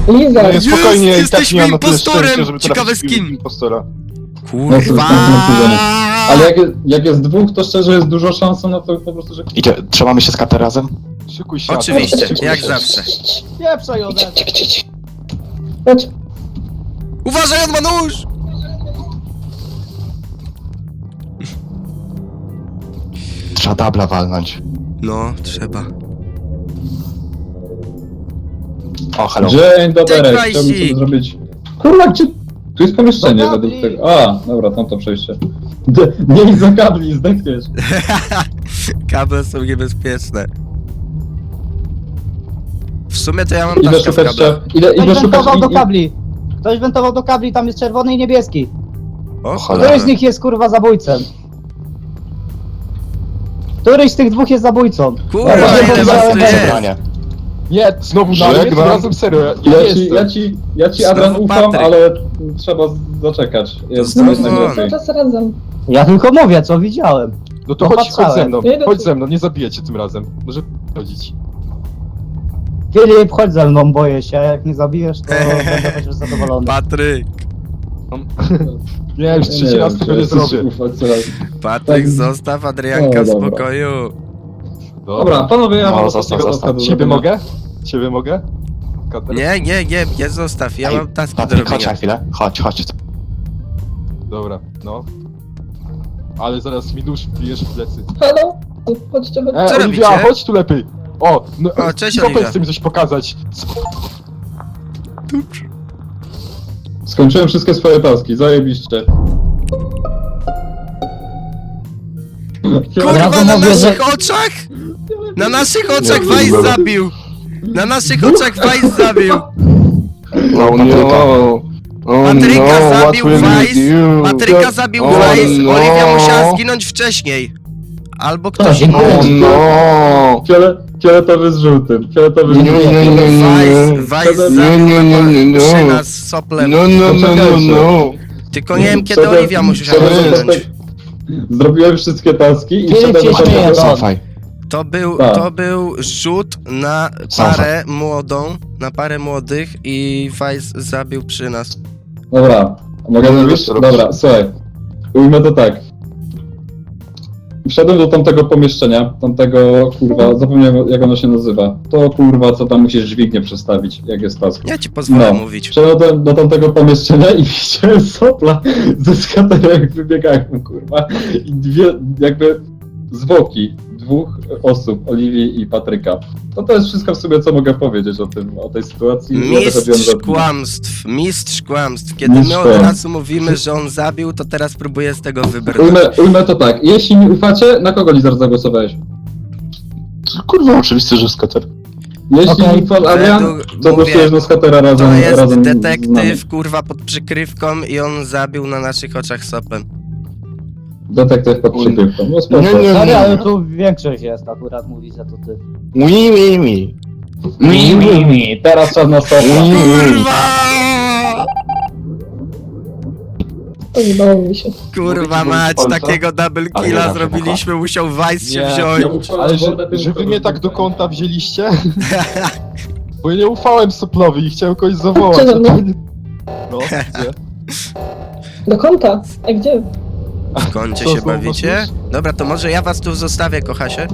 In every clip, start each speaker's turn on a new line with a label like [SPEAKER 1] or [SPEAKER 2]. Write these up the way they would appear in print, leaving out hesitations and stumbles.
[SPEAKER 1] Liza,
[SPEAKER 2] No nie, spokojnie, i tak
[SPEAKER 3] jesteśmy
[SPEAKER 2] nie mam na tyle
[SPEAKER 3] impostorem!
[SPEAKER 2] szczęścia, żeby
[SPEAKER 3] Ciekawe
[SPEAKER 2] trafić
[SPEAKER 3] z kim?
[SPEAKER 2] impostora.
[SPEAKER 3] Kurwa!
[SPEAKER 1] ale jak jest dwóch, to szczerze jest dużo szans na to po prostu, że...
[SPEAKER 4] Idzie, trzymamy się z KT razem?
[SPEAKER 2] Szykuj się.
[SPEAKER 3] Oczywiście,
[SPEAKER 2] Szykuj
[SPEAKER 3] jak
[SPEAKER 2] się.
[SPEAKER 3] zawsze.
[SPEAKER 5] Pieprzaj ode mnie.
[SPEAKER 1] Chodź.
[SPEAKER 3] Uważaj, on ma nóż!
[SPEAKER 4] Trzeba dubla walnąć.
[SPEAKER 3] No, trzeba.
[SPEAKER 4] O, hello.
[SPEAKER 1] Dzień dobry,
[SPEAKER 3] Cześć,
[SPEAKER 1] chciałbym
[SPEAKER 3] Wajsi.
[SPEAKER 1] sobie zrobić... Kurwa, gdzie... Tu jest pomieszczenie
[SPEAKER 5] Do kabli.
[SPEAKER 1] według tego... A, dobra, tam to przejście. Nie idź za kabli, zdechniesz.
[SPEAKER 3] Kable są niebezpieczne. W sumie to ja mam
[SPEAKER 1] Idę
[SPEAKER 3] taszkę w
[SPEAKER 1] szukać...
[SPEAKER 3] kablach.
[SPEAKER 1] Idę
[SPEAKER 5] Ktoś wentował do
[SPEAKER 1] szukać...
[SPEAKER 5] kabli. Ktoś wentował do kabli, tam jest czerwony i niebieski.
[SPEAKER 3] O,
[SPEAKER 4] cholera.
[SPEAKER 5] Któryś z nich jest kurwa zabójcą? Któryś z tych dwóch jest zabójcą?
[SPEAKER 3] Kurwa,
[SPEAKER 5] Dobra,
[SPEAKER 3] ile was tu
[SPEAKER 5] dobra.
[SPEAKER 3] jest?
[SPEAKER 4] Przebranie.
[SPEAKER 2] Nie, znowu na mnie, tym razem serio,
[SPEAKER 1] Ja ci Adrian
[SPEAKER 3] Znowu
[SPEAKER 1] ufam,
[SPEAKER 3] Patryk.
[SPEAKER 1] ale trzeba zaczekać. Jest
[SPEAKER 3] Znowu
[SPEAKER 1] jednak
[SPEAKER 3] on.
[SPEAKER 1] lepiej.
[SPEAKER 6] Czas razem.
[SPEAKER 5] Ja tylko mówię, co widziałem.
[SPEAKER 2] No to
[SPEAKER 5] No
[SPEAKER 2] chodź ze
[SPEAKER 5] patrzałem.
[SPEAKER 2] mną,
[SPEAKER 6] Ja idę
[SPEAKER 2] chodź
[SPEAKER 6] tu.
[SPEAKER 2] ze mną, nie zabijecie tym razem. Może chodzić.
[SPEAKER 5] Filip, chodź ze mną, boję się. Jak nie zabijesz, to będę chociaż zadowolony.
[SPEAKER 3] Patryk!
[SPEAKER 2] Nie, już trzeci raz tego nie zrobię.
[SPEAKER 3] Patryk,
[SPEAKER 1] Tak.
[SPEAKER 3] zostaw Adrianka
[SPEAKER 1] O,
[SPEAKER 3] w
[SPEAKER 1] dobra.
[SPEAKER 3] spokoju.
[SPEAKER 1] Dobra, panowie, ja
[SPEAKER 4] No,
[SPEAKER 1] mam
[SPEAKER 4] zostaw,
[SPEAKER 1] ostatniego
[SPEAKER 4] zostaw.
[SPEAKER 1] taska do
[SPEAKER 2] Ciebie
[SPEAKER 1] zrobienia.
[SPEAKER 2] mogę? Ciebie mogę? Kater?
[SPEAKER 3] Nie zostaw, ja
[SPEAKER 4] Ej,
[SPEAKER 3] mam taski do
[SPEAKER 4] Patryk, chodź
[SPEAKER 3] robienia.
[SPEAKER 4] na chwilę. Chodź.
[SPEAKER 2] Dobra, no. Ale zaraz mi nóż wbijesz w plecy.
[SPEAKER 6] Halo? Chodźcie, chodźcie.
[SPEAKER 3] Co
[SPEAKER 2] Oliwia,
[SPEAKER 3] robicie?
[SPEAKER 2] chodź tu lepiej. O, no,
[SPEAKER 3] O, cześć,
[SPEAKER 2] Kopec
[SPEAKER 3] Oliwia.
[SPEAKER 2] chce mi coś pokazać.
[SPEAKER 1] Skończyłem wszystkie swoje taski, zajebiście.
[SPEAKER 3] Kurwa,
[SPEAKER 5] razu
[SPEAKER 3] na
[SPEAKER 5] mówię, że-
[SPEAKER 3] naszych oczach? Na naszych oczach Vice zabił! Na naszych oczach Vice zabił!
[SPEAKER 4] No, Patryka.
[SPEAKER 3] Patryka zabił Vice! Patryka zabił
[SPEAKER 2] Oh,
[SPEAKER 3] Vice!
[SPEAKER 2] no.
[SPEAKER 3] Oliwia musiała zginąć wcześniej! Albo ktoś
[SPEAKER 5] Tak,
[SPEAKER 3] inny.
[SPEAKER 4] no!
[SPEAKER 1] Fioletowy z żółtym, fioletowy z
[SPEAKER 4] Nie,
[SPEAKER 1] żółtym.
[SPEAKER 4] nie, nie, nie.
[SPEAKER 3] Vice
[SPEAKER 4] Nie,
[SPEAKER 3] zabił
[SPEAKER 4] nie,
[SPEAKER 3] przy nas z soplem.
[SPEAKER 4] No.
[SPEAKER 3] Tylko nie wiem kiedy
[SPEAKER 1] Przedem-
[SPEAKER 3] Oliwia musiała
[SPEAKER 1] przedem-
[SPEAKER 3] zginąć.
[SPEAKER 1] Zrobiłem wszystkie taski i
[SPEAKER 5] Filip
[SPEAKER 1] wszedłem
[SPEAKER 5] się
[SPEAKER 1] do
[SPEAKER 5] śmieje,
[SPEAKER 1] tamtego-
[SPEAKER 5] no.
[SPEAKER 4] Cofaj.
[SPEAKER 1] Tak.
[SPEAKER 3] To był rzut na parę młodą, na parę młodych i Vice zabił przy nas.
[SPEAKER 1] Dobra, mogę
[SPEAKER 2] No,
[SPEAKER 1] mówić?
[SPEAKER 2] to robisz.
[SPEAKER 1] Dobra, słuchaj. Ujmę to tak. Wszedłem do tamtego pomieszczenia, tamtego, kurwa, zapomniałem jak ono się nazywa. To kurwa, co tam musisz dźwignię przestawić, jak jest task.
[SPEAKER 3] Ja ci pozwolę
[SPEAKER 1] No.
[SPEAKER 3] mówić.
[SPEAKER 1] Wszedłem do tamtego pomieszczenia i widziałem sopla ze skaterem, jak wybiegają, kurwa. I dwie, jakby, zwłoki dwóch osób, Oliwii i Patryka. To jest wszystko w sobie, co mogę powiedzieć o tej sytuacji. Ja wychodziłem
[SPEAKER 3] Mistrz kłamstw. Kiedy
[SPEAKER 1] Mistrz
[SPEAKER 3] my od
[SPEAKER 1] kłamstw.
[SPEAKER 3] razu mówimy, że on zabił, to teraz próbuję z tego wybrnąć.
[SPEAKER 1] Ujmę to tak, jeśli mi ufacie, na kogo Lizard zagłosowałeś?
[SPEAKER 4] Kurwa, oczywiście, że skater.
[SPEAKER 1] Jeśli
[SPEAKER 5] Okej.
[SPEAKER 1] mi ufasz Adrian,
[SPEAKER 3] Według-
[SPEAKER 1] to
[SPEAKER 3] mówię,
[SPEAKER 1] głosujesz na skatera razem,
[SPEAKER 3] To jest
[SPEAKER 1] razem z nami.
[SPEAKER 3] detektyw, kurwa, pod przykrywką i on zabił na naszych oczach sopem.
[SPEAKER 1] Detektyw pod przykrywką, no spoko.
[SPEAKER 4] Nie, nie.
[SPEAKER 5] Stary, ale tu większość jest akurat, mówi, że to ty.
[SPEAKER 4] Mi.
[SPEAKER 1] Teraz czas na sopla.
[SPEAKER 3] Kurwa!
[SPEAKER 6] Pojebało mi się.
[SPEAKER 3] Kurwa mać, takiego double
[SPEAKER 4] Ale
[SPEAKER 3] killa
[SPEAKER 4] nie
[SPEAKER 3] zrobiliśmy, musiał Vice się
[SPEAKER 2] Nie.
[SPEAKER 3] wziąć.
[SPEAKER 2] Ale że wy mnie tak do kąta wzięliście? Bo ja nie ufałem Soplowi i chciałem kogoś zawołać.
[SPEAKER 6] Chodźcie do mnie.
[SPEAKER 2] No, gdzie?
[SPEAKER 6] Do kąta. A gdzie?
[SPEAKER 3] W kącie
[SPEAKER 2] Co,
[SPEAKER 3] się
[SPEAKER 2] znowu
[SPEAKER 3] bawicie?
[SPEAKER 2] masz?
[SPEAKER 3] Dobra, to może ja was tu zostawię, kochasie.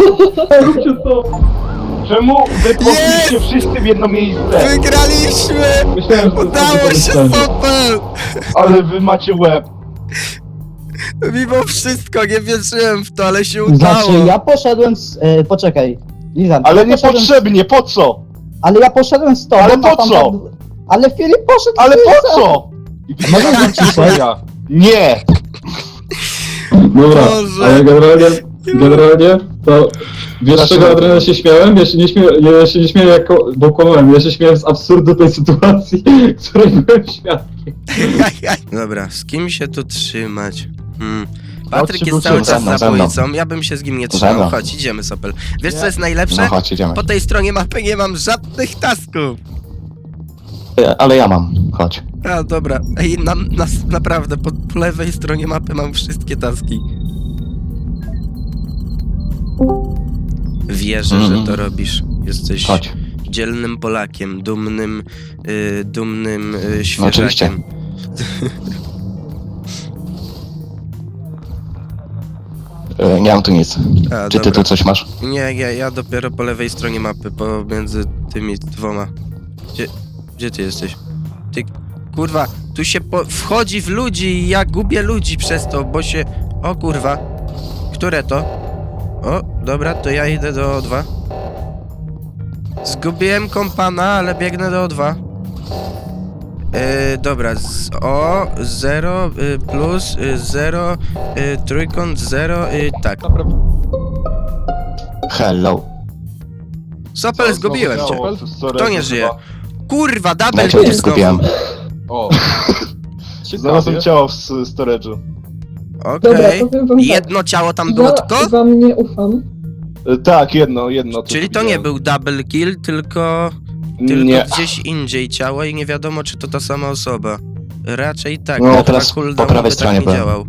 [SPEAKER 7] Czemu wy poszliście wszyscy w jedno miejsce?
[SPEAKER 3] Wygraliśmy!
[SPEAKER 1] Myślałem, że to
[SPEAKER 3] Udało
[SPEAKER 1] jest
[SPEAKER 3] się,
[SPEAKER 1] pomyślenie.
[SPEAKER 3] Sopel!
[SPEAKER 7] Ale wy macie łeb.
[SPEAKER 3] Mimo wszystko, nie wierzyłem w to, ale się udało.
[SPEAKER 5] Znaczy, ja poszedłem z... poczekaj. Lizan,
[SPEAKER 7] Ale
[SPEAKER 5] ja poszedłem
[SPEAKER 7] niepotrzebnie, po co?
[SPEAKER 5] Ale ja poszedłem z tobą,
[SPEAKER 7] Ale
[SPEAKER 5] a
[SPEAKER 7] po
[SPEAKER 5] tam-
[SPEAKER 7] co?
[SPEAKER 5] Ale Filip poszedł
[SPEAKER 7] Ale
[SPEAKER 5] z
[SPEAKER 7] po
[SPEAKER 5] Lizem.
[SPEAKER 7] co?
[SPEAKER 2] I widziałem
[SPEAKER 5] ciszej?
[SPEAKER 2] ja.
[SPEAKER 7] Nie!
[SPEAKER 1] Dobra,
[SPEAKER 3] Boże.
[SPEAKER 1] ale generalnie to... Wiesz z czego Adriana się śmiałem? Ja się nie śmiałem jako... bo kłamałem, ja się śmiałem z absurdu tej sytuacji, której byłem świadkiem.
[SPEAKER 3] Dobra, z kim się tu trzymać? Patryk
[SPEAKER 2] Chodźcie,
[SPEAKER 3] jest cały
[SPEAKER 2] wróćcie.
[SPEAKER 3] czas
[SPEAKER 4] Ze mną.
[SPEAKER 3] zabójcą, ja bym się z nim nie
[SPEAKER 4] Ze
[SPEAKER 3] trzymał.
[SPEAKER 4] mną.
[SPEAKER 3] Chodź, idziemy, Sopel. Wiesz co jest najlepsze?
[SPEAKER 4] No chodź, idziemy.
[SPEAKER 3] Po tej stronie mapy nie mam żadnych tasków.
[SPEAKER 4] Ale ja mam, chodź.
[SPEAKER 3] A, dobra. Ej, naprawdę, po lewej stronie mapy mam wszystkie taski. Wierzę, że to robisz. Jesteś
[SPEAKER 4] Chodź.
[SPEAKER 3] dzielnym Polakiem, dumnym
[SPEAKER 4] No, oczywiście.
[SPEAKER 3] świeżakiem.
[SPEAKER 4] Nie mam tu nic.
[SPEAKER 3] A,
[SPEAKER 4] Czy ty
[SPEAKER 3] dobra.
[SPEAKER 4] tu coś masz?
[SPEAKER 3] Nie, ja dopiero po lewej stronie mapy, pomiędzy tymi dwoma. Gdzie ty jesteś? Ty, kurwa, tu się wchodzi w ludzi i ja gubię ludzi przez to, bo się... O kurwa. Które to? O, dobra, to ja idę do O2. Zgubiłem kompana, ale biegnę do O2. Dobra, O, 0, plus, 0, trójkąt, 0, tak.
[SPEAKER 4] Hello.
[SPEAKER 3] Sopel, zgubiłem cię. Kto nie żyje? Kurwa, double
[SPEAKER 4] Dlaczego cię
[SPEAKER 3] kill znowu.
[SPEAKER 4] zgubiłem?
[SPEAKER 2] O.
[SPEAKER 7] Znalazłem ciało w storage'u.
[SPEAKER 6] Dobra,
[SPEAKER 3] Okej.
[SPEAKER 6] powiem wam tak.
[SPEAKER 3] Jedno ciało tam było
[SPEAKER 6] Ja
[SPEAKER 3] tylko?
[SPEAKER 6] wam nie ufam.
[SPEAKER 7] Tak, jedno.
[SPEAKER 3] Czyli to nie
[SPEAKER 7] widziałem.
[SPEAKER 3] był double kill, tylko
[SPEAKER 7] Nie.
[SPEAKER 3] gdzieś indziej ciało i nie wiadomo, czy to ta sama osoba. Raczej tak,
[SPEAKER 4] No,
[SPEAKER 3] bo
[SPEAKER 4] teraz
[SPEAKER 3] na cooldown
[SPEAKER 4] po prawej
[SPEAKER 3] by
[SPEAKER 4] stronie
[SPEAKER 3] tak nie
[SPEAKER 4] byłem.
[SPEAKER 3] działał.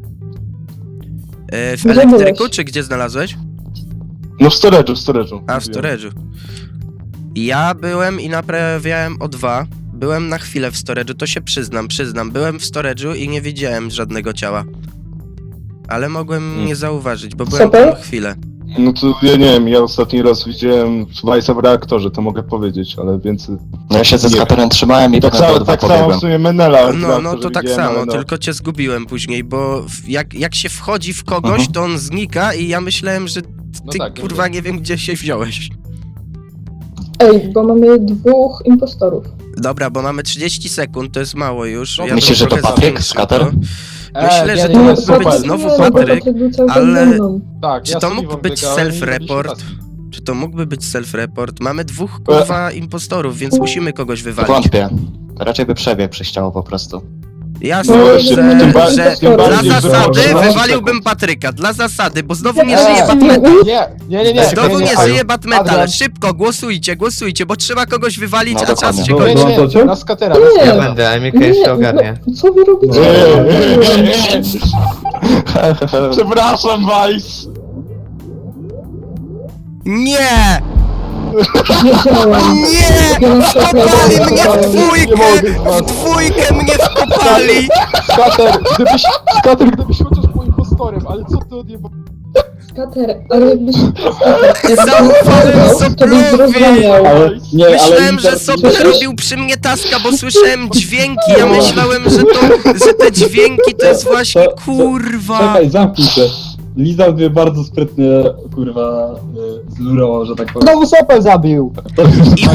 [SPEAKER 3] W
[SPEAKER 6] Gdzie
[SPEAKER 3] elektryku,
[SPEAKER 6] byłeś?
[SPEAKER 3] czy gdzie znalazłeś?
[SPEAKER 7] No w storage'u.
[SPEAKER 3] A, w storage'u. Ja byłem i naprawiałem O2. Byłem na chwilę w storage'u, to się przyznam. Byłem w storage'u i nie widziałem żadnego ciała. Ale mogłem nie zauważyć, bo byłem
[SPEAKER 6] Super.
[SPEAKER 3] tam chwilę.
[SPEAKER 7] No to ja nie wiem, ja ostatni raz widziałem Vice'a w reaktorze, to mogę powiedzieć, ale więcej...
[SPEAKER 4] No ja się ze
[SPEAKER 7] Nie.
[SPEAKER 4] skaterem trzymałem i
[SPEAKER 7] Tak
[SPEAKER 4] potem do
[SPEAKER 7] samo,
[SPEAKER 4] O2
[SPEAKER 7] tak samo
[SPEAKER 4] pobiegłem.
[SPEAKER 7] w sumie Menela. w
[SPEAKER 3] No
[SPEAKER 7] reaktorze
[SPEAKER 3] to tak
[SPEAKER 7] widziałem,
[SPEAKER 3] samo,
[SPEAKER 7] ale no.
[SPEAKER 3] tylko cię zgubiłem później, bo jak się wchodzi w kogoś, to on znika i ja myślałem, że
[SPEAKER 2] No
[SPEAKER 3] ty
[SPEAKER 2] tak,
[SPEAKER 3] kurwa nie wiem gdzie się wziąłeś.
[SPEAKER 6] Ej, bo mamy 2 impostorów.
[SPEAKER 3] Dobra, bo mamy 30 sekund, to jest mało już.
[SPEAKER 2] No,
[SPEAKER 3] Ja
[SPEAKER 4] myślisz, że to
[SPEAKER 3] trochę
[SPEAKER 4] Patryk,
[SPEAKER 3] zwiększę
[SPEAKER 4] skater?
[SPEAKER 3] to. Myślę, że
[SPEAKER 2] nie,
[SPEAKER 3] to
[SPEAKER 2] nie,
[SPEAKER 3] mógł
[SPEAKER 2] super.
[SPEAKER 3] być znowu
[SPEAKER 6] Nie, no bo
[SPEAKER 3] Patryk,
[SPEAKER 6] Patryk był cały czas
[SPEAKER 3] ale-
[SPEAKER 6] ze mną.
[SPEAKER 2] Tak,
[SPEAKER 3] Czy
[SPEAKER 2] ja
[SPEAKER 3] to
[SPEAKER 2] z
[SPEAKER 3] mógł
[SPEAKER 2] Oliwą
[SPEAKER 3] być
[SPEAKER 2] biegałem i
[SPEAKER 3] self-report?
[SPEAKER 2] robiliśmy
[SPEAKER 3] Czy to mógłby być self-report? Mamy 2 kurwa impostorów, więc musimy kogoś wywalić.
[SPEAKER 4] Wątpię. Raczej by przebiegł przez ciało po prostu.
[SPEAKER 3] Jasne,
[SPEAKER 6] No,
[SPEAKER 3] że
[SPEAKER 6] tym
[SPEAKER 3] dla
[SPEAKER 6] bardziej, że
[SPEAKER 3] zasady
[SPEAKER 7] masz
[SPEAKER 3] wywaliłbym Patryka, dla zasady, bo znowu nie
[SPEAKER 2] task.
[SPEAKER 3] żyje Batmetal.
[SPEAKER 2] Nie.
[SPEAKER 3] Znowu nie
[SPEAKER 2] Adrian,
[SPEAKER 3] żyje Batmetal.
[SPEAKER 2] Adrian.
[SPEAKER 3] Szybko, głosujcie, bo trzeba kogoś wywalić,
[SPEAKER 4] No,
[SPEAKER 3] a czas
[SPEAKER 4] dokładnie.
[SPEAKER 3] się
[SPEAKER 1] No,
[SPEAKER 3] kończy.
[SPEAKER 1] no.
[SPEAKER 2] na skatera.
[SPEAKER 6] Nie.
[SPEAKER 8] Ja będę, Emilka jeszcze ogarnie.
[SPEAKER 6] No, co wy robicie?
[SPEAKER 7] Przepraszam, Vice!
[SPEAKER 3] Nie!
[SPEAKER 6] Wiedziałam.
[SPEAKER 3] Nie! Wkopali mnie w
[SPEAKER 2] Nie
[SPEAKER 3] dwójkę!
[SPEAKER 2] mogę z was.
[SPEAKER 3] W dwójkę mnie wkopali!
[SPEAKER 2] Skater, gdybyś chociaż był impostorem, ale co ty odjebał?
[SPEAKER 6] Skater, ale jakbyś...
[SPEAKER 3] Zaufałem
[SPEAKER 6] to byś
[SPEAKER 3] Soplowi!
[SPEAKER 6] zrozumiał.
[SPEAKER 1] Ale, nie,
[SPEAKER 3] Myślałem,
[SPEAKER 1] ale
[SPEAKER 3] że Sopel robił przy mnie taska, bo słyszałem dźwięki. Ja myślałem, że te dźwięki to jest właśnie kurwa.
[SPEAKER 1] Czekaj, zamknij się. Liza mnie bardzo sprytnie, kurwa, zlurała, że tak powiem.
[SPEAKER 5] Znowu Sopel zabił!
[SPEAKER 3] I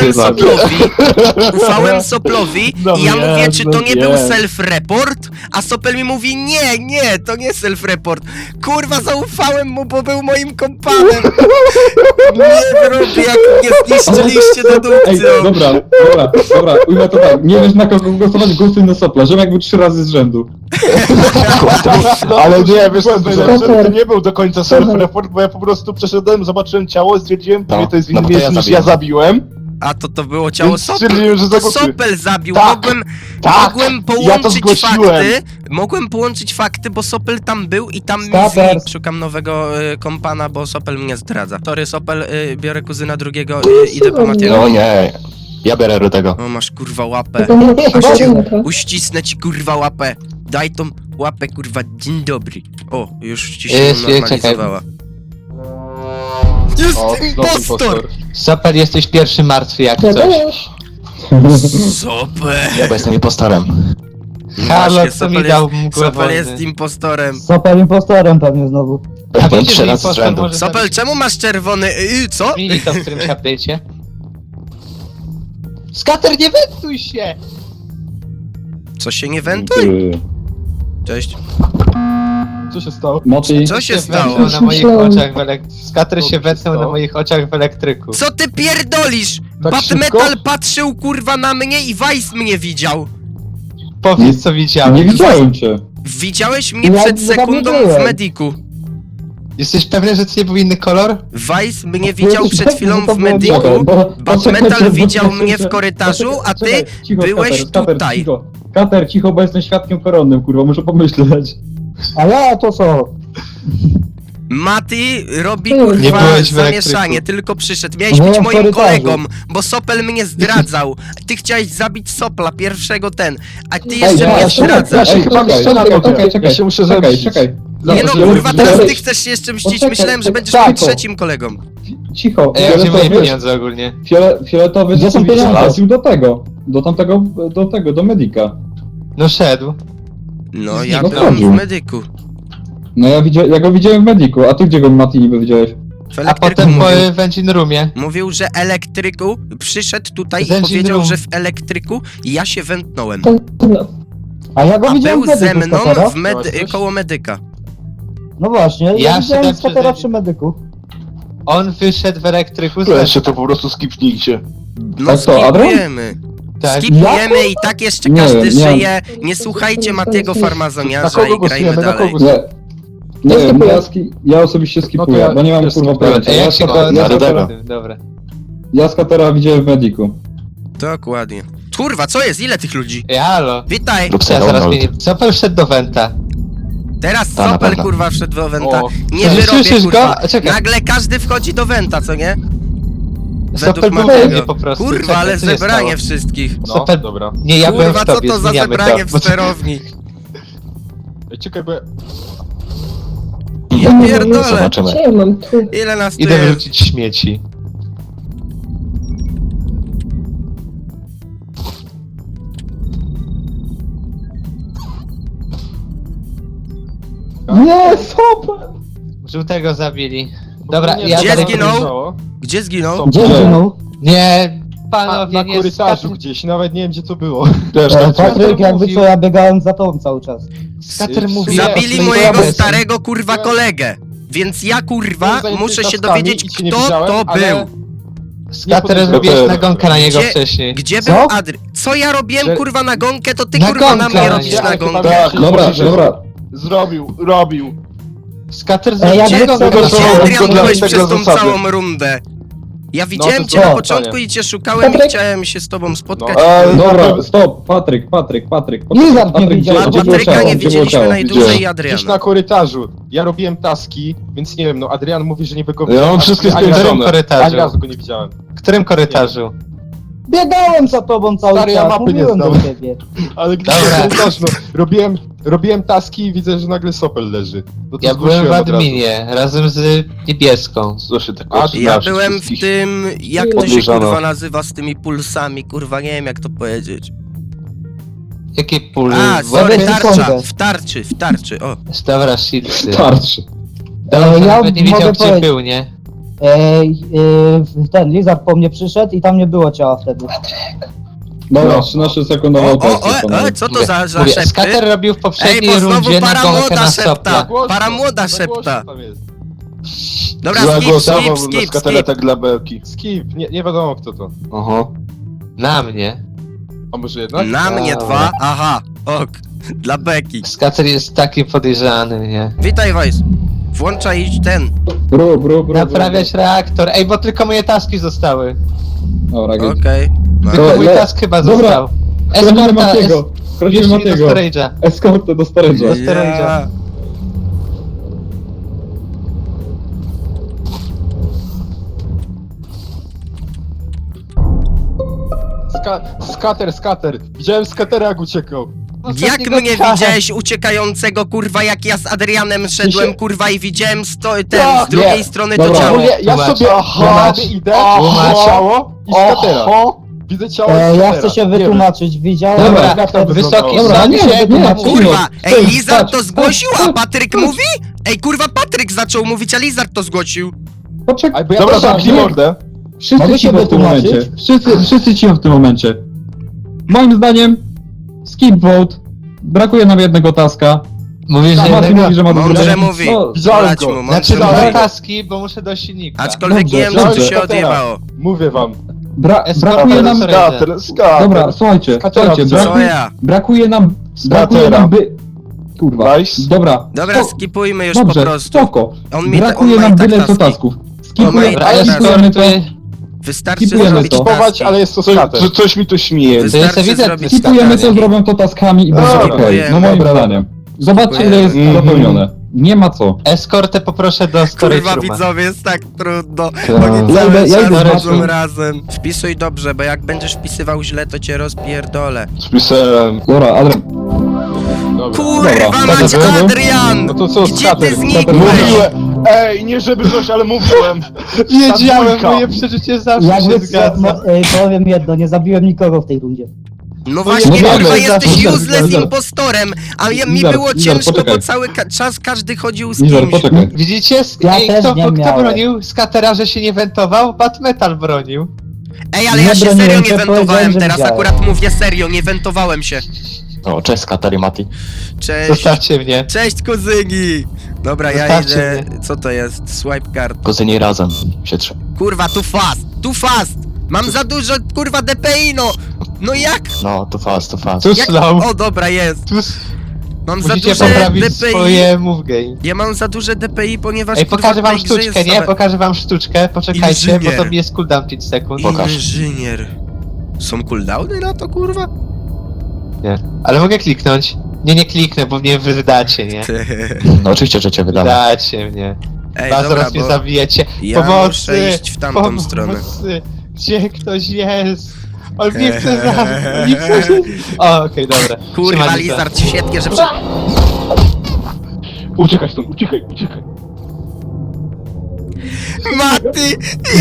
[SPEAKER 3] ufałem Soplowi
[SPEAKER 7] No
[SPEAKER 3] i ja
[SPEAKER 7] nie,
[SPEAKER 3] mówię, czy to
[SPEAKER 7] no
[SPEAKER 3] nie
[SPEAKER 7] nie.
[SPEAKER 3] był self-report, a Sopel mi mówi, nie, to nie self-report. Kurwa, zaufałem mu, bo był moim kompanem. Nie robię, jak mnie zniszczyliście
[SPEAKER 1] Ej,
[SPEAKER 3] dedukcją.
[SPEAKER 1] dobra, ujmę to tak. Nie wiesz na kogo głosować, głosuj na Sopla, żeby jakby 3 razy z rzędu.
[SPEAKER 7] Ale nie, wiesz co,
[SPEAKER 6] Skater.
[SPEAKER 7] to nie był do końca self-report, bo ja po prostu przeszedłem, zobaczyłem ciało, stwierdziłem,
[SPEAKER 4] No,
[SPEAKER 7] że to jest w
[SPEAKER 4] no
[SPEAKER 7] innym
[SPEAKER 4] bo to ja
[SPEAKER 7] miejscu niż ja zabiłem,
[SPEAKER 3] A to było ciało
[SPEAKER 7] więc
[SPEAKER 3] Sopel.
[SPEAKER 7] stwierdziłem, że zagłosuję.
[SPEAKER 3] Sopel zabił,
[SPEAKER 7] Tak,
[SPEAKER 3] mogłem
[SPEAKER 7] ja to
[SPEAKER 3] połączyć
[SPEAKER 7] zgłosiłem.
[SPEAKER 3] fakty, bo Sopel tam był i tam mi
[SPEAKER 5] Skater.
[SPEAKER 3] szukam nowego kompana, bo Sopel mnie zdradza. Tory Sopel, biorę kuzyna drugiego, idę po
[SPEAKER 6] Słucham
[SPEAKER 3] Matiego.
[SPEAKER 4] No nie. Ja biorę Rudego.
[SPEAKER 3] O, masz kurwa łapę.
[SPEAKER 6] To nie przypadek.
[SPEAKER 3] Uścisnę ci kurwa łapę. Daj tą łapę kurwa, dzień dobry. O, już ci się
[SPEAKER 8] Jest,
[SPEAKER 3] normalizowała. Jest
[SPEAKER 2] O, znowu
[SPEAKER 3] impostor!
[SPEAKER 8] Sopel, jesteś pierwszy martwy jak
[SPEAKER 6] Ja
[SPEAKER 8] coś.
[SPEAKER 6] też.
[SPEAKER 3] Sopel!
[SPEAKER 4] Ja bo jestem impostorem.
[SPEAKER 8] Halo,
[SPEAKER 3] Właśnie,
[SPEAKER 8] co mi dał mgłę
[SPEAKER 3] Sopel
[SPEAKER 8] wody?
[SPEAKER 3] jest impostorem.
[SPEAKER 5] Sopel impostorem pewnie znowu.
[SPEAKER 4] Ja byłem
[SPEAKER 8] wiecie,
[SPEAKER 4] 3
[SPEAKER 8] że
[SPEAKER 4] razy z
[SPEAKER 8] impostor
[SPEAKER 4] rzędu.
[SPEAKER 8] może
[SPEAKER 3] Sopel,
[SPEAKER 8] zabić-
[SPEAKER 3] czemu masz czerwony... co?
[SPEAKER 8] Zmieni to w którymś update'cie. Skater, nie wentuj się!
[SPEAKER 3] Co się nie wentuj? Cześć.
[SPEAKER 2] Co się stało?
[SPEAKER 1] Moty,
[SPEAKER 3] Co się
[SPEAKER 8] Się
[SPEAKER 3] stało?
[SPEAKER 8] wetnął na moich
[SPEAKER 6] Myślałem.
[SPEAKER 8] oczach w Skater się
[SPEAKER 2] Co się
[SPEAKER 8] wetnął na
[SPEAKER 2] stało?
[SPEAKER 8] moich oczach w elektryku.
[SPEAKER 3] Co ty pierdolisz?
[SPEAKER 2] Tak
[SPEAKER 3] Batmetal
[SPEAKER 2] szybko?
[SPEAKER 3] patrzył kurwa na mnie i Vice mnie widział.
[SPEAKER 8] Powiedz co widziałem.
[SPEAKER 1] nie widziałem cię.
[SPEAKER 3] Widziałeś mnie
[SPEAKER 5] Ja
[SPEAKER 3] przed
[SPEAKER 5] tam
[SPEAKER 3] sekundą
[SPEAKER 5] nie byłem.
[SPEAKER 3] w mediku.
[SPEAKER 8] Jesteś pewny, że to nie był inny kolor?
[SPEAKER 3] Vice mnie
[SPEAKER 5] No,
[SPEAKER 3] widział
[SPEAKER 5] jesteś
[SPEAKER 3] przed
[SPEAKER 5] pewny,
[SPEAKER 3] chwilą
[SPEAKER 5] że to
[SPEAKER 3] w
[SPEAKER 5] było
[SPEAKER 3] mediku.
[SPEAKER 1] Czekaj, bo-
[SPEAKER 3] Batmetal
[SPEAKER 1] poczekaj,
[SPEAKER 3] widział
[SPEAKER 1] poczekaj,
[SPEAKER 3] mnie w
[SPEAKER 1] poczekaj,
[SPEAKER 3] korytarzu, a ty
[SPEAKER 1] poczekaj, cicho,
[SPEAKER 3] byłeś
[SPEAKER 1] Skater,
[SPEAKER 3] tutaj.
[SPEAKER 1] Cicho. Kater, cicho, bo jestem świadkiem koronnym, kurwa, muszę pomyśleć.
[SPEAKER 5] A ja to co?
[SPEAKER 3] Mati robi
[SPEAKER 6] Nie
[SPEAKER 3] kurwa
[SPEAKER 8] byłeś w
[SPEAKER 3] zamieszanie,
[SPEAKER 8] elektryku.
[SPEAKER 3] tylko przyszedł. Miałeś
[SPEAKER 5] Byłem
[SPEAKER 3] być
[SPEAKER 5] w
[SPEAKER 3] moim
[SPEAKER 5] korytarzu.
[SPEAKER 3] kolegą, bo Sopel mnie zdradzał. Ty chciałeś zabić Sopla, pierwszego a ty
[SPEAKER 1] Ej,
[SPEAKER 3] jeszcze
[SPEAKER 1] ja
[SPEAKER 3] mnie
[SPEAKER 1] się-
[SPEAKER 3] zdradzasz.
[SPEAKER 2] Ja się chyba mszczę na tobie.
[SPEAKER 1] czekaj,
[SPEAKER 2] Ja się muszę
[SPEAKER 1] czekaj,
[SPEAKER 2] zemścić.
[SPEAKER 1] czekaj.
[SPEAKER 3] Nie no
[SPEAKER 1] Zobacz,
[SPEAKER 3] kurwa, teraz
[SPEAKER 1] widziałeś-
[SPEAKER 3] ty chcesz się jeszcze mścić.
[SPEAKER 1] Poczekaj,
[SPEAKER 3] Myślałem, że będziesz
[SPEAKER 1] tak,
[SPEAKER 3] moim
[SPEAKER 1] to-
[SPEAKER 3] trzecim kolegą.
[SPEAKER 1] Cicho,
[SPEAKER 8] Ej, gdzie moje
[SPEAKER 1] fioletowy,
[SPEAKER 8] pieniądze ogólnie?
[SPEAKER 1] fioletowy
[SPEAKER 5] Gdzie są
[SPEAKER 1] rzeczywiście
[SPEAKER 5] pieniądze?
[SPEAKER 1] trafił do tego, do Medika.
[SPEAKER 8] No szedł.
[SPEAKER 3] No
[SPEAKER 1] Z
[SPEAKER 3] ja
[SPEAKER 1] niego
[SPEAKER 3] byłem w
[SPEAKER 1] wchodził.
[SPEAKER 3] medyku.
[SPEAKER 1] No ja go widziałem w Mediku, a ty gdzie go Mati niby widziałeś?
[SPEAKER 3] W
[SPEAKER 8] A
[SPEAKER 3] elektryku
[SPEAKER 8] potem po
[SPEAKER 3] mówił.
[SPEAKER 8] engine roomie.
[SPEAKER 3] Mówił, że elektryku przyszedł tutaj i
[SPEAKER 8] Z engine
[SPEAKER 3] powiedział,
[SPEAKER 8] room.
[SPEAKER 3] że w elektryku i ja się wętnąłem.
[SPEAKER 6] No.
[SPEAKER 5] A ja go
[SPEAKER 3] A
[SPEAKER 5] widziałem
[SPEAKER 3] był
[SPEAKER 5] w
[SPEAKER 3] ze
[SPEAKER 5] medyku,
[SPEAKER 3] mną
[SPEAKER 5] Skatera.
[SPEAKER 3] koło medyka.
[SPEAKER 5] No właśnie, ja
[SPEAKER 8] Ja
[SPEAKER 5] widziałem
[SPEAKER 8] szedłem
[SPEAKER 5] Skatera
[SPEAKER 8] przed-
[SPEAKER 5] przy medyku.
[SPEAKER 8] On wyszedł w elektryku z
[SPEAKER 7] Weźcie to po prostu skipnijcie.
[SPEAKER 3] No
[SPEAKER 1] Tak to, Adrian?
[SPEAKER 3] skipujemy.
[SPEAKER 8] Tak.
[SPEAKER 3] Skipujemy i tak jeszcze
[SPEAKER 1] Nie
[SPEAKER 3] każdy
[SPEAKER 1] wiem, nie
[SPEAKER 3] żyje. Nie słuchajcie Matiego
[SPEAKER 2] Na
[SPEAKER 3] Farmazoniarza
[SPEAKER 2] kogo
[SPEAKER 3] i grajmy
[SPEAKER 2] głosujemy? Na
[SPEAKER 3] dalej.
[SPEAKER 2] kogo?
[SPEAKER 1] Nie wiem,
[SPEAKER 6] skipuję.
[SPEAKER 1] ja osobiście skipuję,
[SPEAKER 2] No to ja-
[SPEAKER 1] bo nie mam
[SPEAKER 2] ja
[SPEAKER 1] kurwa
[SPEAKER 2] skipuję.
[SPEAKER 1] pojęcia.
[SPEAKER 8] Ej,
[SPEAKER 1] Ja
[SPEAKER 8] jak się
[SPEAKER 1] Skatera-
[SPEAKER 8] go
[SPEAKER 1] ja
[SPEAKER 7] Rudego.
[SPEAKER 1] Skatera-
[SPEAKER 8] Dobra.
[SPEAKER 1] ja Skatera widziałem w Mediku.
[SPEAKER 3] Dokładnie. Kurwa, co jest? Ile tych ludzi?
[SPEAKER 8] Ej, halo.
[SPEAKER 3] Witaj!
[SPEAKER 4] Lub
[SPEAKER 8] Ja zaraz
[SPEAKER 4] Download.
[SPEAKER 8] mnie... Sopel wszedł do Venta.
[SPEAKER 3] Teraz
[SPEAKER 4] Ta, na
[SPEAKER 3] Sopel
[SPEAKER 4] pewno.
[SPEAKER 3] kurwa wszedł do Wenta.
[SPEAKER 2] O,
[SPEAKER 3] Nie
[SPEAKER 8] czy
[SPEAKER 3] wyrobię
[SPEAKER 8] słyszysz
[SPEAKER 3] kurwa.
[SPEAKER 8] go? Czekaj.
[SPEAKER 3] Nagle każdy wchodzi do Wenta, co nie?
[SPEAKER 8] Sopel
[SPEAKER 3] Matiego.
[SPEAKER 8] powiedział po prostu.
[SPEAKER 3] Kurwa,
[SPEAKER 8] Czekaj,
[SPEAKER 3] ale
[SPEAKER 8] co się
[SPEAKER 3] zebranie
[SPEAKER 8] stało?
[SPEAKER 3] wszystkich.
[SPEAKER 2] No,
[SPEAKER 8] Super.
[SPEAKER 2] dobra.
[SPEAKER 8] Nie, ja byłem
[SPEAKER 3] Kurwa,
[SPEAKER 8] w
[SPEAKER 3] co
[SPEAKER 8] tobie,
[SPEAKER 3] to za
[SPEAKER 8] zmieniamy
[SPEAKER 3] zebranie
[SPEAKER 8] to.
[SPEAKER 3] w sterowni?
[SPEAKER 2] Ej, czekaj, bo ja...
[SPEAKER 3] Ja pierdolę.
[SPEAKER 4] Zobaczymy.
[SPEAKER 6] Gdzie ja mam tu?
[SPEAKER 3] Ile nas tu
[SPEAKER 8] Idę
[SPEAKER 3] jest?
[SPEAKER 8] wyrzucić śmieci.
[SPEAKER 1] Nie, Sopel!
[SPEAKER 8] Żółtego zabili. Dobra,
[SPEAKER 2] Nie,
[SPEAKER 8] ja
[SPEAKER 3] Gdzie
[SPEAKER 8] dalej...
[SPEAKER 3] zginął? Gdzie zginął?
[SPEAKER 2] Stop.
[SPEAKER 5] Gdzie
[SPEAKER 1] Nie.
[SPEAKER 5] zginął?
[SPEAKER 8] Nie,
[SPEAKER 2] Na,
[SPEAKER 8] panowie,
[SPEAKER 2] na
[SPEAKER 8] nie...
[SPEAKER 2] korytarzu
[SPEAKER 8] Skatry-
[SPEAKER 2] gdzieś, nawet nie wiem gdzie to było.
[SPEAKER 7] Też tak.
[SPEAKER 5] Patryk, jakby
[SPEAKER 8] mówił.
[SPEAKER 5] co, ja biegałem za tobą cały czas.
[SPEAKER 8] Skater
[SPEAKER 2] W
[SPEAKER 8] mówi...
[SPEAKER 2] sumie-
[SPEAKER 3] Zabili
[SPEAKER 2] to ja
[SPEAKER 3] mojego
[SPEAKER 2] byłem-
[SPEAKER 3] starego kurwa kolegę. Więc ja kurwa
[SPEAKER 2] Byłem zajęty
[SPEAKER 3] muszę się
[SPEAKER 2] taskami
[SPEAKER 3] dowiedzieć,
[SPEAKER 2] i cię nie
[SPEAKER 3] kto
[SPEAKER 2] widziałem,
[SPEAKER 3] to
[SPEAKER 2] ale-
[SPEAKER 3] był.
[SPEAKER 8] Skater zrobiłeś
[SPEAKER 7] Dobra.
[SPEAKER 8] nagonkę na niego
[SPEAKER 3] Gdzie-
[SPEAKER 8] wcześniej.
[SPEAKER 3] Gdzie
[SPEAKER 5] Co?
[SPEAKER 3] był Adry? Co ja robiłem
[SPEAKER 2] Że-
[SPEAKER 3] kurwa na gonkę, to ty
[SPEAKER 8] Na
[SPEAKER 3] kurwa na
[SPEAKER 8] gonkę,
[SPEAKER 3] mnie
[SPEAKER 8] ale
[SPEAKER 3] robisz
[SPEAKER 2] nie,
[SPEAKER 3] na
[SPEAKER 2] ale chyba
[SPEAKER 3] gonkę.
[SPEAKER 2] tak.
[SPEAKER 1] Dobra,
[SPEAKER 2] Że-
[SPEAKER 1] dobra.
[SPEAKER 7] Robił.
[SPEAKER 8] Skater
[SPEAKER 5] Ej,
[SPEAKER 8] zrobił
[SPEAKER 5] jak
[SPEAKER 8] nagonkę
[SPEAKER 5] wy
[SPEAKER 8] na
[SPEAKER 5] co-
[SPEAKER 3] Gdzie
[SPEAKER 8] siebie.
[SPEAKER 3] Adrian
[SPEAKER 7] tylko dla
[SPEAKER 3] byłeś
[SPEAKER 7] tego
[SPEAKER 3] przez tą
[SPEAKER 7] zasady.
[SPEAKER 3] całą rundę? Ja widziałem
[SPEAKER 2] to
[SPEAKER 3] cię na
[SPEAKER 2] co?
[SPEAKER 3] początku i cię szukałem i
[SPEAKER 6] Patryk?
[SPEAKER 3] chciałem się z tobą spotkać.
[SPEAKER 1] Dobra, stop, Patryk.
[SPEAKER 5] Lizard nie widział.
[SPEAKER 3] A
[SPEAKER 1] gdzie było
[SPEAKER 3] Patryka
[SPEAKER 1] ciało?
[SPEAKER 3] nie
[SPEAKER 1] Gdzie było
[SPEAKER 3] widzieliśmy
[SPEAKER 1] ciało?
[SPEAKER 3] najdłużej i
[SPEAKER 2] Gdzieś na
[SPEAKER 3] Adriana.
[SPEAKER 2] korytarzu. Ja robiłem taski, więc nie wiem, no Adrian mówi, że nie wykopiłem.
[SPEAKER 7] Ja mam wszystkie
[SPEAKER 2] ani razu-
[SPEAKER 7] skończone.
[SPEAKER 8] W którym
[SPEAKER 2] Ani
[SPEAKER 8] korytarzu?
[SPEAKER 2] razu go nie widziałem.
[SPEAKER 8] W którym korytarzu?
[SPEAKER 5] Biegałem za tobą cały
[SPEAKER 2] Stary, ja
[SPEAKER 5] czas,
[SPEAKER 2] mapy nie
[SPEAKER 5] mówiłem do
[SPEAKER 2] znam.
[SPEAKER 5] ciebie.
[SPEAKER 2] Ale gdzie
[SPEAKER 8] Dobra.
[SPEAKER 2] na korytarzu? No, robiłem taski i widzę, że nagle Sopel leży. No to
[SPEAKER 8] Ja byłem
[SPEAKER 2] zgłosiłem
[SPEAKER 8] w
[SPEAKER 2] od razu.
[SPEAKER 8] adminie, razem z niebieską.
[SPEAKER 7] Co się tak
[SPEAKER 2] A,
[SPEAKER 7] patrzy
[SPEAKER 3] Ja
[SPEAKER 7] na
[SPEAKER 3] byłem w
[SPEAKER 7] wszystkich?
[SPEAKER 3] tym, jak to się
[SPEAKER 7] Podejrzano.
[SPEAKER 3] kurwa nazywa z tymi pulsami, kurwa nie wiem jak to powiedzieć.
[SPEAKER 8] Jakie pól?
[SPEAKER 3] A, sorry,
[SPEAKER 5] Łebek
[SPEAKER 3] tarcza,
[SPEAKER 5] sądzę.
[SPEAKER 3] w tarczy, o.
[SPEAKER 8] Dobra, shieldsy.
[SPEAKER 1] Tarczy.
[SPEAKER 8] Dobra,
[SPEAKER 5] Ja
[SPEAKER 8] nawet nie wiedział
[SPEAKER 5] mogę
[SPEAKER 8] gdzie
[SPEAKER 5] powiedzieć-
[SPEAKER 8] był, nie?
[SPEAKER 5] Ten Lizard po mnie przyszedł i tam nie było ciała wtedy.
[SPEAKER 1] Dobra, 13 sekundowa
[SPEAKER 3] Co to za
[SPEAKER 8] Mówię,
[SPEAKER 3] szepty?
[SPEAKER 8] Skater robił w
[SPEAKER 3] Ej,
[SPEAKER 8] poprzedniej
[SPEAKER 3] bo znowu
[SPEAKER 8] rundzie
[SPEAKER 3] para
[SPEAKER 8] nagonkę
[SPEAKER 3] młoda
[SPEAKER 8] na
[SPEAKER 3] szepta.
[SPEAKER 8] Sopla.
[SPEAKER 2] Głośno,
[SPEAKER 3] Para młoda
[SPEAKER 2] za głośno
[SPEAKER 3] szepta.
[SPEAKER 2] tam jest.
[SPEAKER 3] Dobra, skip,
[SPEAKER 7] Zagłosował na
[SPEAKER 3] skip.
[SPEAKER 7] skateletek dla belki.
[SPEAKER 2] Skip, nie wiadomo kto to.
[SPEAKER 7] Aha.
[SPEAKER 8] Na mnie.
[SPEAKER 2] A może jednak?
[SPEAKER 3] Na mnie
[SPEAKER 8] Dobra.
[SPEAKER 3] dwa, aha, ok. Dla Beki.
[SPEAKER 8] Skater jest taki podejrzany, nie?
[SPEAKER 3] Witaj, Wajs. Włączaj ten.
[SPEAKER 1] Bru.
[SPEAKER 8] Naprawiać reaktor. Ej, bo tylko moje taski zostały.
[SPEAKER 1] Dobra, git.
[SPEAKER 3] Okej.
[SPEAKER 8] Tylko mój
[SPEAKER 1] le-
[SPEAKER 8] task chyba
[SPEAKER 1] dobra.
[SPEAKER 8] został.
[SPEAKER 1] Sprawdzimy
[SPEAKER 8] Eskorta,
[SPEAKER 1] Matiego. Sprawdzimy
[SPEAKER 8] wieźli do
[SPEAKER 1] Matiego.
[SPEAKER 8] storage'a.
[SPEAKER 1] Eskortę do storage'a.
[SPEAKER 8] steroidzie.
[SPEAKER 2] Skater. Widziałem skatera jak uciekał.
[SPEAKER 3] Jak
[SPEAKER 8] Ostatniego
[SPEAKER 3] mnie
[SPEAKER 8] dnia.
[SPEAKER 3] widziałeś uciekającego, kurwa, jak ja z Adrianem szedłem, kurwa, i widziałem z
[SPEAKER 2] Tak,
[SPEAKER 3] drugiej
[SPEAKER 2] nie.
[SPEAKER 3] strony
[SPEAKER 1] Dobra.
[SPEAKER 3] to ciało.
[SPEAKER 2] Ogólnie ja
[SPEAKER 8] Tłumacz.
[SPEAKER 2] sobie
[SPEAKER 8] Tłumacz.
[SPEAKER 2] idę,
[SPEAKER 8] Tłumacz.
[SPEAKER 2] widzę ciało i skatera. Widzę ciało i
[SPEAKER 5] Ja
[SPEAKER 2] skatera.
[SPEAKER 5] chcę się
[SPEAKER 2] Nie wiem.
[SPEAKER 5] wytłumaczyć, widziałem...
[SPEAKER 8] Dobra,
[SPEAKER 2] jak tam
[SPEAKER 8] wysoki
[SPEAKER 2] wyglądało?
[SPEAKER 8] sądzie,
[SPEAKER 3] Kurwa, ej,
[SPEAKER 1] Stój,
[SPEAKER 3] Lizard
[SPEAKER 1] patrz,
[SPEAKER 3] to zgłosił, a
[SPEAKER 1] patrz,
[SPEAKER 3] Patryk mówi? Ej, kurwa, Patryk zaczął mówić, a Lizard to zgłosił.
[SPEAKER 1] Poczekaj.
[SPEAKER 2] Aj, bo ja
[SPEAKER 7] Dobra,
[SPEAKER 2] też-
[SPEAKER 7] zamknij mordę.
[SPEAKER 1] Wszyscy
[SPEAKER 5] Mogę się
[SPEAKER 1] cicho w tym
[SPEAKER 5] wytłumaczyć?
[SPEAKER 1] momencie. Wszyscy cicho w tym momencie. Moim zdaniem skip vote. Brakuje nam jednego taska.
[SPEAKER 8] Mówisz, że
[SPEAKER 1] Mati
[SPEAKER 8] jednego...
[SPEAKER 1] mówi, że ma do
[SPEAKER 3] Mądrze
[SPEAKER 1] zrobienia.
[SPEAKER 3] mówi.
[SPEAKER 1] No,
[SPEAKER 2] widziałem
[SPEAKER 3] Brać
[SPEAKER 2] go.
[SPEAKER 3] mu,
[SPEAKER 8] Znaczy
[SPEAKER 3] mądrze
[SPEAKER 8] dwa
[SPEAKER 3] mówi.
[SPEAKER 8] taski, bo muszę do silnika.
[SPEAKER 3] Aczkolwiek
[SPEAKER 1] Dobrze,
[SPEAKER 3] nie wiem, co tu
[SPEAKER 1] dobrze.
[SPEAKER 3] się odjebało.
[SPEAKER 2] Mówię wam.
[SPEAKER 1] brakuje nam...
[SPEAKER 8] Skater.
[SPEAKER 7] Skater.
[SPEAKER 1] Dobra, słuchajcie,
[SPEAKER 2] Skatera, co?
[SPEAKER 3] Co ja?
[SPEAKER 1] brakuje nam Kurwa.
[SPEAKER 7] Nice.
[SPEAKER 1] Dobra.
[SPEAKER 3] Dobra,
[SPEAKER 1] sto-
[SPEAKER 3] skipujmy już
[SPEAKER 1] Dobrze,
[SPEAKER 3] po prostu.
[SPEAKER 1] spoko.
[SPEAKER 3] On mi
[SPEAKER 1] Brakuje
[SPEAKER 3] on ma
[SPEAKER 1] nam
[SPEAKER 3] i tak
[SPEAKER 1] byle co
[SPEAKER 3] taski.
[SPEAKER 1] tasków.
[SPEAKER 3] On ma i
[SPEAKER 1] Skipujemy,
[SPEAKER 3] tak
[SPEAKER 8] Dobra, ja
[SPEAKER 3] taski.
[SPEAKER 1] skipujemy to.
[SPEAKER 8] skortuję...
[SPEAKER 3] Wystarczy
[SPEAKER 1] Skipujemy
[SPEAKER 3] zrobić
[SPEAKER 1] to.
[SPEAKER 2] Kupować,
[SPEAKER 3] taski.
[SPEAKER 2] ale jest to skater.
[SPEAKER 7] Coś mi to śmieje.
[SPEAKER 8] To jest ewidentny
[SPEAKER 3] zrobić
[SPEAKER 8] skater,
[SPEAKER 1] Skipujemy
[SPEAKER 8] nie?
[SPEAKER 1] to, zrobią to taskami i będzie
[SPEAKER 7] Dobra.
[SPEAKER 1] okej. No moim zdaniem. Zobaczcie ile jest
[SPEAKER 7] Mhm.
[SPEAKER 1] dopełnione. Nie ma co.
[SPEAKER 8] Eskortę poproszę do storage
[SPEAKER 3] Kurwa
[SPEAKER 8] rooma.
[SPEAKER 3] widzowie, jest tak trudno.
[SPEAKER 1] Tak.
[SPEAKER 3] Oni cały
[SPEAKER 1] Ja
[SPEAKER 3] czas
[SPEAKER 1] idę
[SPEAKER 3] chodzą
[SPEAKER 1] zobaczyć.
[SPEAKER 3] razem. Wpisuj dobrze, bo jak będziesz wpisywał źle, to cię rozpierdolę.
[SPEAKER 7] Spisałem.
[SPEAKER 1] Dobra, ale...
[SPEAKER 2] Dobra.
[SPEAKER 3] Kurwa
[SPEAKER 1] Dobra,
[SPEAKER 3] mać,
[SPEAKER 1] dobra.
[SPEAKER 3] Adrian!
[SPEAKER 2] No to co,
[SPEAKER 3] Gdzie ty
[SPEAKER 2] skater?
[SPEAKER 3] znikłeś?
[SPEAKER 7] Mówiłem! Ej, nie żeby coś, ale mówiłem!
[SPEAKER 8] Wiedziałem,
[SPEAKER 7] dwójka.
[SPEAKER 8] moje przeżycie zawsze
[SPEAKER 5] Jakby
[SPEAKER 8] się
[SPEAKER 5] co,
[SPEAKER 8] zgadza.
[SPEAKER 5] powiem jedno, nie zabiłem nikogo w tej rundzie.
[SPEAKER 3] No właśnie,
[SPEAKER 1] nie
[SPEAKER 3] kurwa,
[SPEAKER 1] wiemy.
[SPEAKER 3] jesteś
[SPEAKER 1] Lizard,
[SPEAKER 3] useless
[SPEAKER 1] Lizard.
[SPEAKER 3] impostorem, a mi
[SPEAKER 1] Lizard,
[SPEAKER 3] było
[SPEAKER 1] Lizard,
[SPEAKER 3] ciężko, bo
[SPEAKER 1] poczekaj.
[SPEAKER 3] cały czas każdy chodził z
[SPEAKER 1] Nizar,
[SPEAKER 3] kimś.
[SPEAKER 1] poczekaj.
[SPEAKER 8] Widzicie?
[SPEAKER 5] Ja
[SPEAKER 8] Ej,
[SPEAKER 5] też
[SPEAKER 8] kto,
[SPEAKER 5] nie
[SPEAKER 8] kto
[SPEAKER 5] miałem.
[SPEAKER 8] bronił skatera, że się nie wentował? Batmetal bronił.
[SPEAKER 3] Ej, ale
[SPEAKER 5] Nie
[SPEAKER 3] ja się
[SPEAKER 5] broniłem
[SPEAKER 3] serio
[SPEAKER 5] się,
[SPEAKER 3] nie
[SPEAKER 5] powiedziałem,
[SPEAKER 3] wentowałem
[SPEAKER 5] że
[SPEAKER 3] teraz,
[SPEAKER 5] widziałem.
[SPEAKER 3] akurat mówię serio, nie wentowałem się.
[SPEAKER 4] O, cześć, Katari Mati.
[SPEAKER 3] Cześć.
[SPEAKER 8] Zostawcie mnie.
[SPEAKER 3] Cześć kuzyni! Dobra, ja
[SPEAKER 8] Zostawcie
[SPEAKER 3] idę... Co to jest? Swipe card.
[SPEAKER 4] Kuzyni razem się trzyma.
[SPEAKER 3] Kurwa, too fast! Mam za dużo, kurwa, DPI, no! No jak?
[SPEAKER 4] No, tu fast, tu fast.
[SPEAKER 8] Tu
[SPEAKER 3] Jak?
[SPEAKER 8] slow.
[SPEAKER 3] O, dobra, jest.
[SPEAKER 8] Tu
[SPEAKER 3] Mam za
[SPEAKER 8] musicie
[SPEAKER 3] duże
[SPEAKER 8] poprawić
[SPEAKER 3] DPI.
[SPEAKER 8] swoje move game.
[SPEAKER 3] Ja mam za duże DPI, ponieważ
[SPEAKER 8] Ej,
[SPEAKER 3] kurwa,
[SPEAKER 8] pokażę
[SPEAKER 3] w
[SPEAKER 8] wam
[SPEAKER 3] tej grze
[SPEAKER 8] sztuczkę,
[SPEAKER 3] jest
[SPEAKER 8] nie?
[SPEAKER 3] same-
[SPEAKER 8] Pokażę wam sztuczkę, poczekajcie,
[SPEAKER 3] Inżynier.
[SPEAKER 8] bo to jest cooldown 5 sekund.
[SPEAKER 4] Pokaż.
[SPEAKER 3] Inżynier. Są cooldowny na to, kurwa?
[SPEAKER 8] Nie. Ale mogę kliknąć. Nie kliknę, bo mnie wydacie, nie?
[SPEAKER 4] No oczywiście, że cię wydamy.
[SPEAKER 8] Wydacie mnie.
[SPEAKER 3] Ej,
[SPEAKER 8] Was
[SPEAKER 3] dobra,
[SPEAKER 8] zaraz mnie
[SPEAKER 3] bo
[SPEAKER 8] zabijecie.
[SPEAKER 3] ja
[SPEAKER 8] Pomocy!
[SPEAKER 3] muszę iść w tamtą
[SPEAKER 8] Pomocy!
[SPEAKER 3] stronę.
[SPEAKER 8] Gdzie ktoś jest? On mnie chce zabić, on mnie chce... O, okej, dobra.
[SPEAKER 3] Kurwa,
[SPEAKER 8] Siema,
[SPEAKER 3] Lizard, świetnie, że...
[SPEAKER 7] Uciekaj stąd, uciekaj, uciekaj!
[SPEAKER 3] Maty!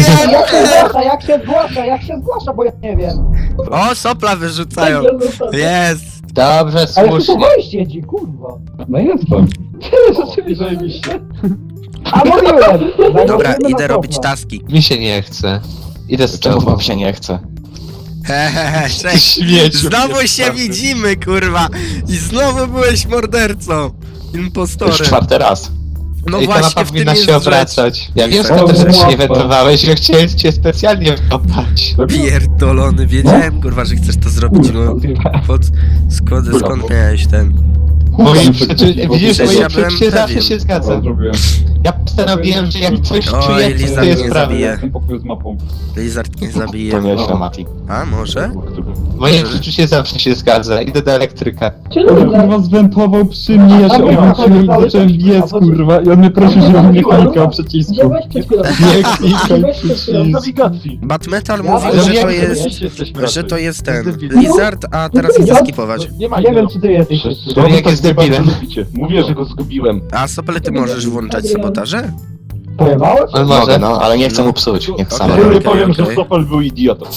[SPEAKER 5] Jak się zgłasza, bo ja nie wiem.
[SPEAKER 3] O, sopla wyrzucają. Jest!
[SPEAKER 8] Dobrze,
[SPEAKER 5] Ale tu
[SPEAKER 8] słusznie.
[SPEAKER 5] wejście ci, kurwa.
[SPEAKER 1] No jestem.
[SPEAKER 2] Zajebiście.
[SPEAKER 5] A mówiłem!
[SPEAKER 3] Dobra, idę robić taski.
[SPEAKER 8] Mi się nie chce. Idę z
[SPEAKER 4] Czemu
[SPEAKER 8] tobą.
[SPEAKER 4] wam się nie chce?
[SPEAKER 3] Hehehe,
[SPEAKER 8] Ty
[SPEAKER 3] cześć.
[SPEAKER 8] śmieciu.
[SPEAKER 3] Znowu się widzimy, kurwa. I znowu byłeś mordercą.
[SPEAKER 4] Już
[SPEAKER 3] Impostorem.
[SPEAKER 4] 4. raz.
[SPEAKER 3] No
[SPEAKER 8] Ej, ta mapa
[SPEAKER 3] właśnie, w tym
[SPEAKER 8] powinna
[SPEAKER 3] jest
[SPEAKER 8] się
[SPEAKER 3] rzecz.
[SPEAKER 8] obracać. Ja wiem,
[SPEAKER 3] Lizard.
[SPEAKER 8] skąd że się nie
[SPEAKER 1] Łatwo.
[SPEAKER 8] wentowałeś, ja chciałem cię specjalnie wkopać.
[SPEAKER 3] Pierdolony, wiedziałem, kurwa, że chcesz to zrobić, no. Skąd miałeś ten...
[SPEAKER 8] Moje przeczy... Widzisz,
[SPEAKER 3] Przecież
[SPEAKER 8] moje
[SPEAKER 3] ja byłem
[SPEAKER 8] przeczucie zawsze
[SPEAKER 3] pewien.
[SPEAKER 8] się zgadza.
[SPEAKER 1] Zrobiłem.
[SPEAKER 8] Ja postanowiłem, że jak coś
[SPEAKER 3] Oj,
[SPEAKER 8] czuję, to
[SPEAKER 3] Lizard
[SPEAKER 8] jest
[SPEAKER 3] mnie
[SPEAKER 8] prawda.
[SPEAKER 3] zabije.
[SPEAKER 1] Jestem pokoju z mapą.
[SPEAKER 3] Lizard nie
[SPEAKER 4] To
[SPEAKER 3] zabije.
[SPEAKER 4] nieźle, Mati.
[SPEAKER 3] A, może?
[SPEAKER 8] Moje przeczucie zawsze się zgadza. Idę do elektryka.
[SPEAKER 1] On kurwa zwentował przy mnie, ja się obróciłem i zacząłem biec, kurwa. I on mnie prosił, żebym nie klikał przycisku.
[SPEAKER 6] Wziąłeś przed chwilą.
[SPEAKER 8] Nie klikaj
[SPEAKER 6] Wziąłeś przed chwilą.
[SPEAKER 7] Nawigacji!
[SPEAKER 3] Batmetal
[SPEAKER 5] Ja
[SPEAKER 3] mówił,
[SPEAKER 5] wiem,
[SPEAKER 3] że to
[SPEAKER 8] jak
[SPEAKER 3] jest...
[SPEAKER 2] Jesteśmy
[SPEAKER 3] Że to jest ten...
[SPEAKER 8] Debil.
[SPEAKER 3] Lizard, a teraz chcę skipować.
[SPEAKER 2] Nie ma
[SPEAKER 5] Nie wiem,
[SPEAKER 2] innego.
[SPEAKER 5] czy ty jesteś.
[SPEAKER 8] To jak jest debilem.
[SPEAKER 7] Mówię, że go zgubiłem.
[SPEAKER 3] A Sopele, ty możesz włączać sabotaże?
[SPEAKER 5] Pojebałeś?
[SPEAKER 8] On
[SPEAKER 4] Mogę,
[SPEAKER 8] może.
[SPEAKER 4] no, ale nie chcę mu psuć. Niech sam
[SPEAKER 3] Okej.
[SPEAKER 4] robi.
[SPEAKER 7] Nie powiem, że
[SPEAKER 3] okej.
[SPEAKER 7] Sopel był idiotą.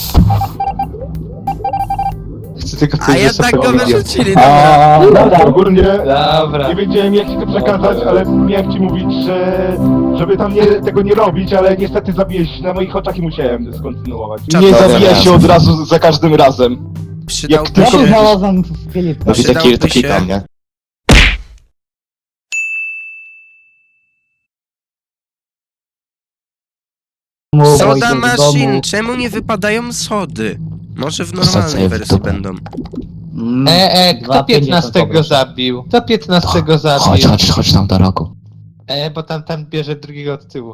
[SPEAKER 8] Chcę tylko
[SPEAKER 3] A
[SPEAKER 8] powiedzieć,
[SPEAKER 3] jednak go
[SPEAKER 8] że
[SPEAKER 3] wyrzucili, dobra.
[SPEAKER 1] A,
[SPEAKER 5] Dobra.
[SPEAKER 7] Ogólnie
[SPEAKER 8] Dobra.
[SPEAKER 7] nie wiedziałem jak ci to przekazać, ale miałem ci mówić, że żeby tam tego nie robić, ale niestety zabiłeś na moich oczach i musiałem skontynuować.
[SPEAKER 3] Czad-
[SPEAKER 7] Nie
[SPEAKER 4] Dobra.
[SPEAKER 7] zabija się od razu za każdym razem.
[SPEAKER 3] Przydałby
[SPEAKER 5] Ja się
[SPEAKER 3] się...
[SPEAKER 5] znalazłem w Filipku.
[SPEAKER 4] No widzę
[SPEAKER 3] Przydałby
[SPEAKER 4] kill, to
[SPEAKER 3] się-
[SPEAKER 4] klikam, nie?
[SPEAKER 3] Soda machine, czemu nie wypadają sody? Może w normalnej
[SPEAKER 4] Wsadzę w
[SPEAKER 3] wersji
[SPEAKER 4] dupę.
[SPEAKER 3] będą.
[SPEAKER 8] Kto 15 zabił? Kto 15
[SPEAKER 4] Chodź,
[SPEAKER 8] zabił?
[SPEAKER 4] chodź tam do rogu.
[SPEAKER 8] Bo tam bierze drugiego od tyłu.